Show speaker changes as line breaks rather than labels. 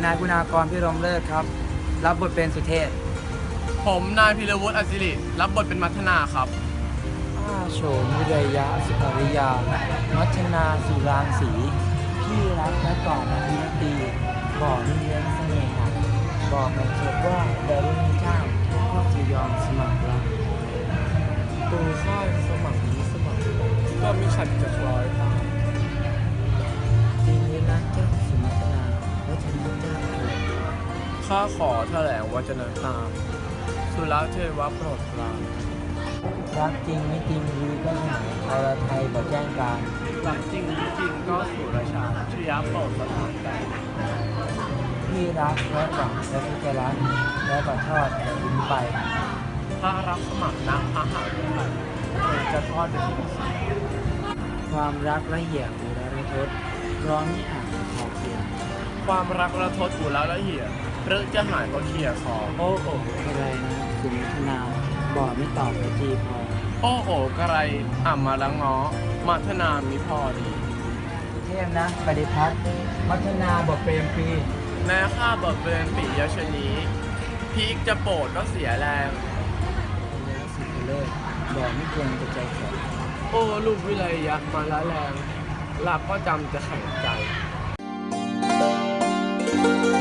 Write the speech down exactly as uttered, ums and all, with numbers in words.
นายคุณากรพิรมเลิศครับรับบทเป็นสุเทพ
ผมนายพิรวุฒิอศิริรับบทเป็นมัทนาครับ
ข้าโฉมวิริยะสุอริยามัชนาสุรางสีพี่รักและกอดอภิรตีบ่อนิเลี้ยงเสน่หาบอกในเชิดว่าดารุณีเจ้าก็จะยอมสมัครรักตูข้าสมัครนี้สมัครก็มีขัดจะคล้อยตามจริงเลยนะเจ้าสุมัชนาวัชนะเจ้าเถิด
ข้าขอแถลงวจนะตาม สุรเทวะโปรดปราน
รักจริงไม่จริงรู้ก็หายอรไทยบอกแจ้งการ
หลังจริงจริงก็สุรชาชยะโปรดสถานใจ
พี่รักและหวังและที่จะรักและขอทอดแต่ทิ้งไป
ถ้ารับสมัครนักพระหาวิทยจะทอดเป็นที่สุด
ความรักละเหี่ยอุระทศร้อนที่อ่างขอบเขียน
ความรักระทดอุแล้วละเหี่ยหรือจะหายก็เขี่ยคอ
โอ้โอ้อะไรนะสุมิทนาบอกไม่ตอบกระจีพอ
โอ้โอกระไรอ่ำมาละง้อมัทนามิพอดี
เทพนะปฏิพัฒน์มัฒนาบอกเปรมปรี
แม้ข้าเบิกเบนปิยชนีพีกจะโปรดก็เสียแรง
แล้วสุดเลิศบอกไม่ควรจะใจแข็ง
โอ้ลูกวิไลยะมาละแรงหลับก็จำจะแข็งใจ